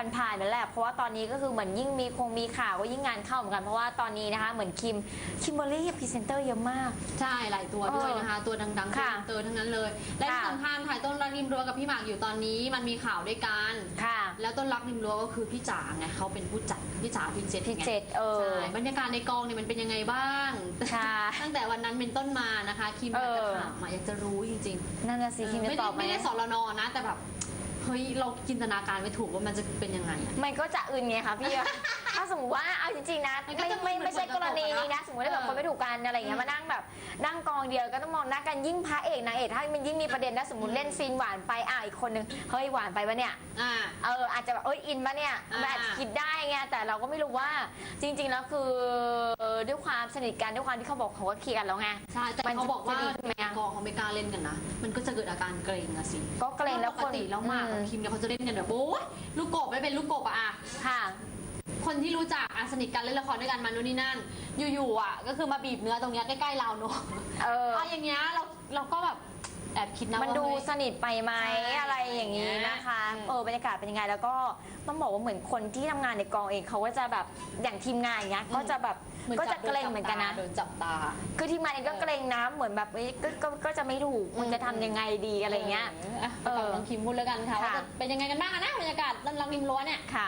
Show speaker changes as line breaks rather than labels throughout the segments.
ผ่านๆนั่นแหละเพราะว่าตอนนี้ก็คือเหมือนยิ่งมีข่าวก็ยิ่งงานเข้าเหมือนกันเพราะว่าตอนนี้นะคะเหมือนคิมเบอรรี่พรีเซนเตอร์เยอะมาก
ใช่หลายตัวด้วยนะคะตัวดังๆพรีเซนเตอร์ทั้งนั้นเลยและที่สำคัญถ่ายต้นรักริมรั้วกับพี่หมากอยู่ตอนนี้มันมีข่าวด้วยกันแล้วต้นรักริมรั้วก็คือพี่จ๋าไงเขาเป็นผู้จัดพี่จ๋าพิเศษใช่บรรยากาศในกองเนี่ยมันเป็นยังไงบ้างตั้งแต่วันนั้นเป็นต้นมานะคะคิมอยากจะถามอยากจะรู้จริง
ๆนั่นน่ะสิคิมจะตอบ
ไม่ได้สรนนะแต่แบบเฮ้ยเราจินตนาการไม่ถูกว่ามันจะเป็นยังไง
มันก็จะอื่นไงคะพี่ ถ้าสมมติว่าเอาจริงๆนะไม่ใช่กรณีนี้นะสมมติว่าแบบคนไม่ถูกกันอะไรอย่างเงี้ยมานั่งแบบนั่งกองเดียวก็ต้องมองหน้ากันยิ่งพระเอกนางเอกถ้ามันยิ่งมีประเด็นนะสมมติเล่นซีนหวานไปอีกคนนึงเฮ้ยหวานไปปะเนี่ยอาจจะแบบอินปะเนี่ยมันอาจจะคิดได้ไงแต่เราก็ไม่รู้ว่าจริงๆแล้วคือด้วยความสนิทกันด้วยความที่เขาบอกเขาก็เคลียร์กันแล้วไง
ใช่แต่เขาบอกว่ากองเขาไม่กล้าเล่นกันนะมันก็จะเกิดอาการเกรงอะสิ
ก็เกรงแล้ว
ปกติแล้วมากคิมเนี่ยเขาจะเล่นกันแบบโอ้ยลูกกบไม่เป็นลูกกบอะ
ค่ะ
คนที่รู้จักสนิทกันเล่นละครด้วยกันมานู่นนี่นั่นอยู่ๆก็คือมาบีบเนื้อตรงเนี้ยใกล้ๆเราเนอะอย่างเงี้ยเราก็แบบแอบคิดนะ
มันดูสนิทไปไหมอะไรอย่างนี้นะคะบรรยากาศเป็นยังไงแล้วก็ต้องบอกว่าเหมือนคนที่ทำงานในกองเองเขาก็จะแบบอย่างทีมงานอย่างเงี้ยก็จะแบบก็จะเกรงเหมือนกันนะ
โดนจับตา
คือทีมงานเองก็เกรงนะเหมือนแบบก็จะไม่ถูกมันจะทำยังไงดีอะไรเงี้ย
ฟังน้องคิมพูดแล้วกันค่ะว่าเป็นยังไงกันบ้างนะบรรยากาศรักริมรั้วเนี่ย
ค่ะ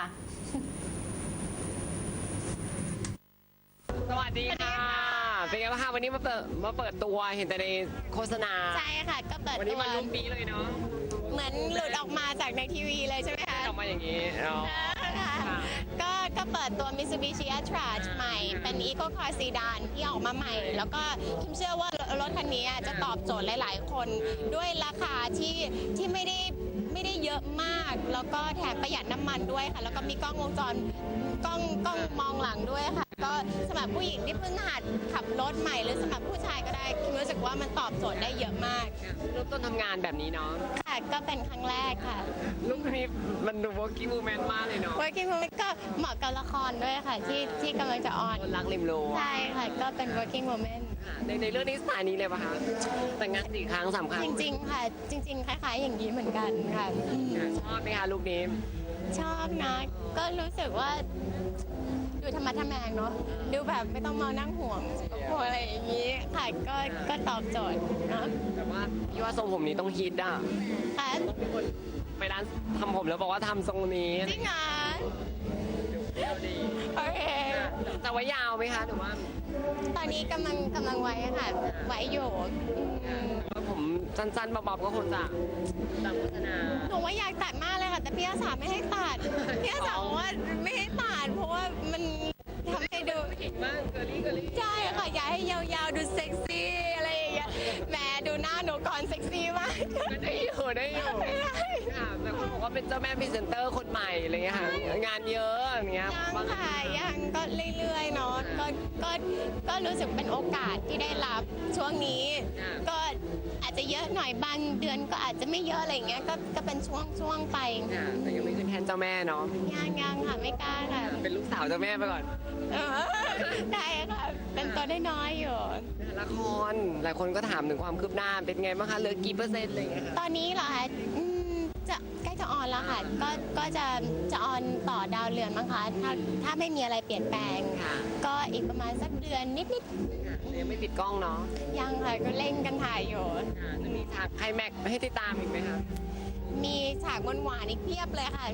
สวัสดีค่ะเป็นไงบ้างคะวันนี้มาเปิดตัวเห็นแต่ในโฆษณา
ใช่ค่ะก็เปิดตัว
วันนี้มันลุกนี้เลยเนาะ
เหมือนหลุดออกมาจากในทีวีเลยใช่ไหมคะ
ออกมาอย่างนี้
ก็เปิดตัว Mitsubishi Attrage ใหม่เป็น Eco Car Sedan ที่ออกมาใหม่แล้วก็คิมเชื่อว่ารถคันนี้จะตอบโจทย์หลายๆคนด้วยราคาที่ไม่ได้เยอะมากแล้วก็แถมประหยัดน้ำมันด้วยค่ะแล้วก็มีกล้องวงจรกล้องมองหลังด้วยค่ะก็สำหรับผู้หญิงที่เพิ่งหัดขับรถใหม่หรือสำหรับผู้ชายก็ได้คิมรู้สึกว่ามันตอบโจทย์ได้เยอะมาก
เริ่มต้นทำงานแบบนี้เนาะ
ค่ะก็เป็นครั้งแรกค่ะ
ลุคนี้มันดู working woman มากเลยเนาะ
working woman ก็เหมาะกับละครด้วยค่ะที่กำลังจะออน
รักริมรั้ว
ใช่ค่ะก็เป็น working woman
ในเรื่องนี้สไตล์นี้เลยป่ะคะแต่งงาน4 ครั้ง3 ครั้ง
จริงๆค่ะจริงๆคล้ายๆอย่างนี้เหมือนกันค่ะ
ชอบไหมคะลุคนี้
ชอบนะก็รู้สึกว่าดูธรรมะทแมงเนาะดูแบบไม่ต้องมานั่งห่วงอะไรอย่างนี้ค่ะก็ตอบโจทย์เนาะ
แต่ว่าพี่ว่าทรงผมนี้ต้องฮิตอ่ะ
ค่ะ
ไปร้านทำผมแล้วบอกว่าทำทรงนี้
จริงเหรอโอเค
จะไว้ยาวไหมคะหรือว่า
ตอนนี้กำลังไว้ค่ะไว้อยู่
ผมสั้นๆบ๊อบๆก็คงจะตามโฆษณา
หนูว่าอยากตัดมากเลยค่ะแต่พี่อาสาไม่ให้ตัดพี่อาสาบอกว่าไม่ให้ตัดเพราะว่ามันทำให้ดู
ผิดมากเกอรี่
ใช่ค่ะอยากให้ยาวๆดูเซ็กซี่อะไรอย่างเงี้ยแหมดูหน้าหนูก่อนเซ็กซี่มาก
ได้อยู่ค่ะแต่คนบอกว่าเป็นเจ้าแม่พรีเซนเตอร์คนใหม่อะไรเงี้ยค่ะงานเยอะอย่างเงี้ย
ยังค่ะยังก็เรื่อยๆเนาะก็รู้สึกเป็นโอกาสที่ได้รับช่วงนี้ก็อาจจะเยอะหน่อยบางเดือนก็อาจจะไม่เยอะอะไรอย่างเงี้ยก็เป็นช่วงไป
แต่ยังไม่ขึ้นแทนเจ้าแม่เนาะ
ยังค่ะไม่กล้าค่ะ
เป็นลูกสาวเจ้าแม่ไปก่อน
ได้ค่ะเป็นตัวได้น้อยอยู่
ละครหลายคนก็ถามถึงความคืบหน้าเป็นไงบ้างคะเหลือกี่เปอร์เซ็นต์อะไรเงี้ย
ตอนนี้เหรอคะจะใกล้จะออนแล้วค่ะก็จะออนต่อดาวเรือนมั้งคะถ้าไม่มีอะไรเปลี่ยนแปลงก็อีกประมาณสักเดือนนิด
ๆยังไม่ปิดกล้องเนาะ
ยังค่ะก็เล่นกันถ่ายอยู่
จะมีฉากไคลแม็กซ์ให้ติดตามอีกไหมคะ
มีฉากหวานๆอีกเพียบเลยค่ะ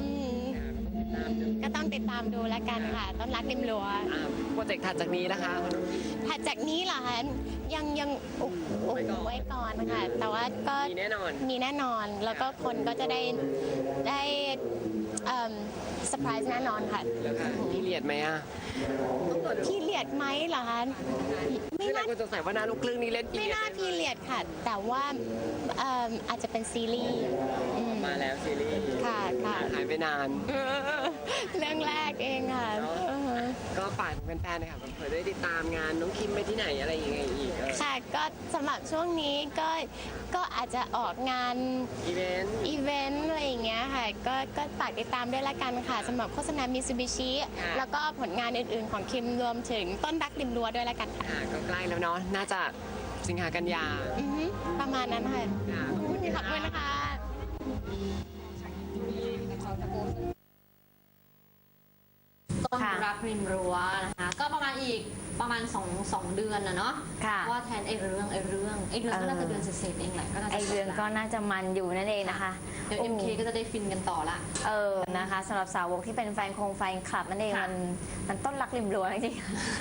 ก็ต้องติดตามดูแล้วกันค่ะต้นรักริมรั้ว
โปรเจกต์ถัดจากนี้นะคะ
ถัดจากนี้เหรอคะยังอุบไว้ก่อนค่ะแต่ว่าก็
มีแน่
นอนแล้วก็คนก็จะได้เซอร์ไพรส์แน่นอนค่ะ
พี่เลียดไหมอ่ะ
พี่เลียดไหมเหรอคะ
ไม่น่าคนสงสัยว่าหน้าลูกครึ่งนี้เล่น
ไม่น่าพี่เลียดค่ะแต่ว่าอาจจะเป็นซีรีส์
มาแล้วซีรีส์
ค่ะ
หายไปนาน
เรื่องแรกเองค่ะ
ก็ฝากแฟนๆนะคะเผื่อได้ติดตามงานน้องคิมไปที่ไหนอะไรยังไงอีก
ค่ะก็สำหรับช่วงนี้ก็อาจจะออกงาน
อีเ
วนต์อะไรอย่างเงี้ยค่ะก็ฝากติดตามด้วยละกันค่ะสำหรับโฆษณา Mitsubishi แล้วก็ผลงานอื่นๆของคิมรวมถึงต้นรักริมรั้วด้วยละกันค่ะ
ก็ใกล้แล้วเนาะน่าจะสิงหากันยา
ประมาณนั้นค่ะขอบคุณนะคะ
ริมรั้วนะคะก็ประมาณอีกประมาณ2 เดือนนะเนาะ
ค่ะ
ว่าแทนไอ้เรื่องก็น่าจะเดือนเศษๆเองแหละก็น่าจะ
ไอเรื่องก็น่าจะมันอยู่นั่นเองนะคะ
เดี๋ยว MK ก็จะได้ฟินกันต่อละ
นะคะสำหรับสาวกที่เป็นแฟนคลับนั่นเองมันต้นรักริมรั้วจริงๆ